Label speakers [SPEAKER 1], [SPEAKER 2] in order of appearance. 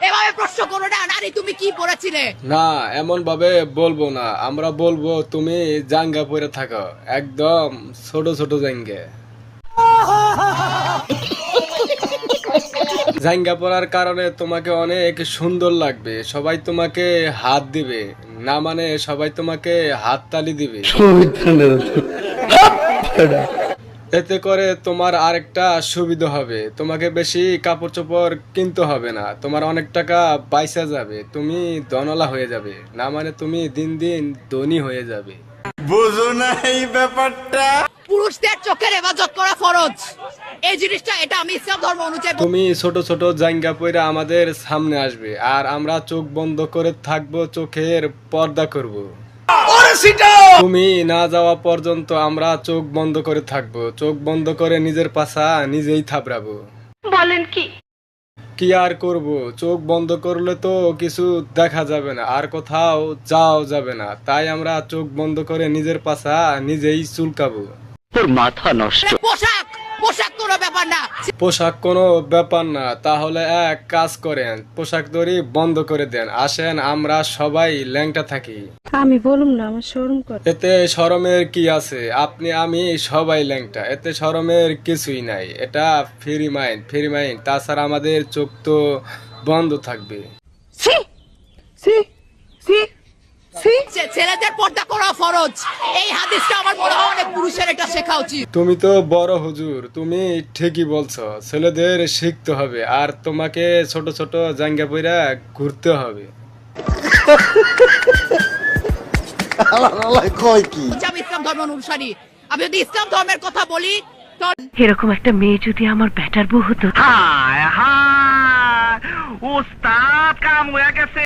[SPEAKER 1] এভাবে প্রশ্ন করো না। নারী তুমি কি পড়েছিলে?
[SPEAKER 2] না, এমন ভাবে বলবো না, আমরা বলবো তুমি জাঙ্গা পরে থাকো, একদম ছোট ছোট জাঙ্গা। জাঙ্গা পরার কারণে তোমাকে অনেক সুন্দর লাগবে, সবাই তোমাকে হাত দিবে, না মানে সবাই তোমাকে হাত তালি দিবে। এতে করে তোমার আরেকটা সুবিধা হবে, তোমাকে বেশি কাপড় চোপড় কিনতে হবে না, তোমার অনেক টাকা বাইসা যাবে, তুমি ধনলা হয়ে যাবে, না মানে তুমি দিন দিন ধনী হয়ে যাবে।
[SPEAKER 3] বুঝো না এই ব্যাপারটা?
[SPEAKER 1] পুরুষদের চোখের হেফাজত করা ফরজ, এই জিনিসটা এটা আমি ইসলাম ধর্ম অনুযায়ী
[SPEAKER 2] তুমি ছোট ছোট জাঙ্গা পইরা আমাদের সামনে আসবে, আর আমরা চোখ বন্ধ করে থাকবো, চোখের পর্দা করব। তুমি না যাওয়া পর্যন্ত আমরা চোখ বন্ধ করে থাকবো, চোখ বন্ধ করে নিজের পাছা নিজেই থাবড়াবো।
[SPEAKER 4] বলেন কি?
[SPEAKER 2] কি আর করব, চোখ বন্ধ করলে তো কিছু দেখা যাবে না, আর কোথাও যাও যাবে না, তাই আমরা চোখ বন্ধ করে নিজের পাছা নিজেই চুলকাবো।
[SPEAKER 4] তোর মাথা নষ্ট।
[SPEAKER 1] পোশাক পোশাক কোনো ব্যাপার না।
[SPEAKER 2] পোশাক কোনো ব্যাপার না, তাহলে এক কাজ করেন, পোশাক দড়ি বন্ধ করে দেন, আসেন আমরা সবাই ল্যাংটা থাকি।
[SPEAKER 5] আমি বলুম না, আমার শরম করে।
[SPEAKER 2] এতে শরমের কি আছে, আপনি আমি সবাই ল্যাংটা, এতে শরমের কিছুই নাই, এটা ফ্রি মাইন্ড, ফ্রি মাইন্ড। তাছাড়া আমাদের চোখ তো বন্ধ থাকবে।
[SPEAKER 1] ছেলেদের পর্দা করা ফরজ, এই হাদিসটা আমার মনে হয় অনেক পুরুষের এটা শেখা উচিত।
[SPEAKER 2] তুমি তো বড় হুজুর, তুমি ঠিকই বলছো, ছেলেদের শিখতে হবে, আর তোমাকে ছোট ছোট জাঙ্গা পইরা ঘুরতে হবে।
[SPEAKER 3] কয় কি?
[SPEAKER 1] আমি ইসলাম ধর্ম অনুসারী, আমি যদি ইসলাম ধর্মের কথা বলি তো
[SPEAKER 4] এরকম একটা মেয়ে যদি আমার ব্যাটার বউ হতো। হায় হায়, ওস্তাদ কাম হয়ে গেছে।